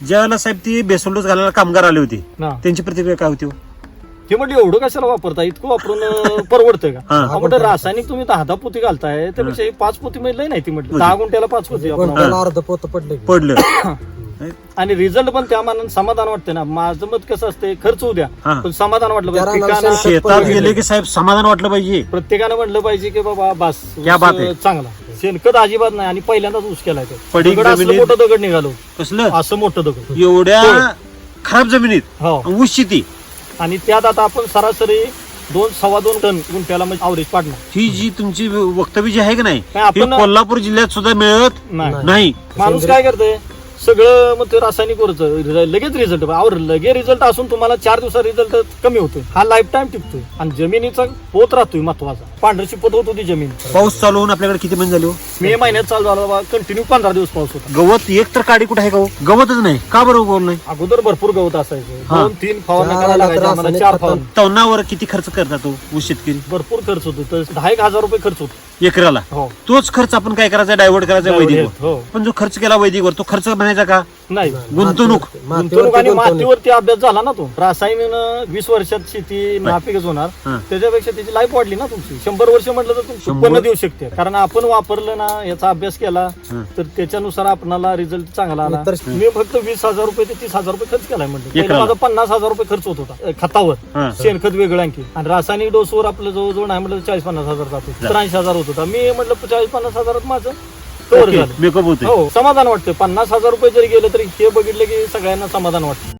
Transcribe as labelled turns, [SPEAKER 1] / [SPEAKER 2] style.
[SPEAKER 1] ज्यावेळेला साहेब ती basal dose घालायला कामगार आले होते
[SPEAKER 2] हा.
[SPEAKER 1] त्यांची प्रतिक्रिया काय होती हो?
[SPEAKER 2] ते म्हटलं एवढं कशाला वापरता, इतकं वापरून परवडतंय का?
[SPEAKER 1] हा.
[SPEAKER 2] म्हटलं रासायनिक तुम्ही 10 पोती घालताय त्यापेक्षा 5 पोती मध्ये नाही ती म्हटलं 10 गुंठ्याला 5 पोती आपण
[SPEAKER 3] गुंठ्याला अर्ध पोत पडलं की.
[SPEAKER 1] पडलं
[SPEAKER 2] आणि रिझल्ट पण त्या मानाने समाधान वाटतं ना. माझं मत कसं असते, खर्च होऊ द्या
[SPEAKER 1] हा.
[SPEAKER 2] पण समाधान वाटलं
[SPEAKER 3] त्या
[SPEAKER 2] पाहिजे.
[SPEAKER 3] रानाला
[SPEAKER 2] पिकाला
[SPEAKER 1] शेतात गेले की साहेब समाधान वाटलं पाहिजे.
[SPEAKER 2] प्रत्येकानं म्हटलं पाहिजे की बाबा बस
[SPEAKER 1] क्या बात आहे.
[SPEAKER 2] चांगला शेणखत अजिबात नाही. आणि पहिल्यांदाच ऊस केलाय तो.
[SPEAKER 1] पडीक
[SPEAKER 2] दगड असलं
[SPEAKER 1] जमिनीत-
[SPEAKER 2] मोठं दगड निघालो,
[SPEAKER 1] कसलं
[SPEAKER 2] असं मोठं दगड.
[SPEAKER 1] एवढ्या खराब जमिनीत
[SPEAKER 2] हो.
[SPEAKER 1] ऊस शेती
[SPEAKER 2] आणि त्यात आता आपण सरासरी 2-2.25 टन गुंठ्याला म्हणजे आवरेज पाडणार.
[SPEAKER 1] ही जी तुमची वक्तव्य जी आहे की नाही
[SPEAKER 2] नाही, आपण-
[SPEAKER 1] ही कोल्हापूर जिल्ह्यात सुद्धा मिळत
[SPEAKER 2] नाही
[SPEAKER 1] नाही.
[SPEAKER 2] माणूस काय करतोय, सगळं मग ते रासायनिक वरच लगेच रिझल्ट लगेच रिझल्ट असून तुम्हाला 4 दिवसात रिझल्ट कमी होतोय. हा लाईफ टाइम टिकतोय आणि जमिनीचा पोत राहतोय महत्वाचा. पांढरशी पोत होत होती जमीन.
[SPEAKER 1] पाऊस चालू होऊन आपल्याकडे किती महिने झाले हो?
[SPEAKER 2] मे महिन्यात चालू झाला बाबा, कंटिन्यू 15 दिवस पाऊस होता.
[SPEAKER 1] गवत एक तर काडी कुठे आहे का हो? गवतच नाही का बरं गवत नाही?
[SPEAKER 2] अगोदर भरपूर गवत असायचं.
[SPEAKER 1] हा.
[SPEAKER 2] 2-3 फवारण्या
[SPEAKER 3] चार
[SPEAKER 2] करायला लागायच्या आम्हाला,
[SPEAKER 3] रासायनिक
[SPEAKER 2] 4
[SPEAKER 3] खतं.
[SPEAKER 2] फवारणी.
[SPEAKER 1] तवनावर किती खर्च करतात तो ऊस शेतकरी
[SPEAKER 2] भरपूर खर्च होतो. तर 10,000 रुपये खर्च होतो.
[SPEAKER 1] एकराला?
[SPEAKER 2] हो
[SPEAKER 1] तोच खर्च आपण काय करायचा, डायव्हर्ट करायचा वैदिकवर.
[SPEAKER 2] हो.
[SPEAKER 1] पण जो खर्च केला वैदिकवर तो खर्च म्हणायचा का?
[SPEAKER 2] नाही,
[SPEAKER 1] गुंतवणूक.
[SPEAKER 2] गुंतवणूक आणि मातीवरती अभ्यास झाला ना तो. रासायनिक 20 वर्षात शेती नापिकच होणार.
[SPEAKER 1] हा.
[SPEAKER 2] त्याच्यापेक्षा त्याची लाईफ वाढली ना तुमची. 100 वर्ष म्हटलं तर तुमची
[SPEAKER 1] 100
[SPEAKER 2] उत्पन्न देऊ शकते. कारण आपण वापरलं ना, याचा अभ्यास केला
[SPEAKER 1] हा.
[SPEAKER 2] तर त्याच्यानुसार आपल्याला रिझल्ट चांगला आला.
[SPEAKER 3] तर-
[SPEAKER 2] मी फक्त 20,000 रुपये ते 30,000 रुपये खर्च केलाय म्हटलं. पहिलं
[SPEAKER 1] एकराला?
[SPEAKER 2] माझा 50,000 रुपये खर्च होत होता खतावर.
[SPEAKER 1] हा.
[SPEAKER 2] शेणखत वेगळं आणखी. आणि रासायनिक डोसवर आपलं जवळजवळ नाही म्हटलं 40-50,000 जात होतं. 83,000 होत होता. मी म्हटलं 40-50,000 माझं कव्हर झालं.
[SPEAKER 1] मेकअप होते.
[SPEAKER 2] हो, समाधान वाटतं. 50,000 रुपये जरी गेलं तरी हे बघितलं की सगळ्यांना समाधान वाटतं.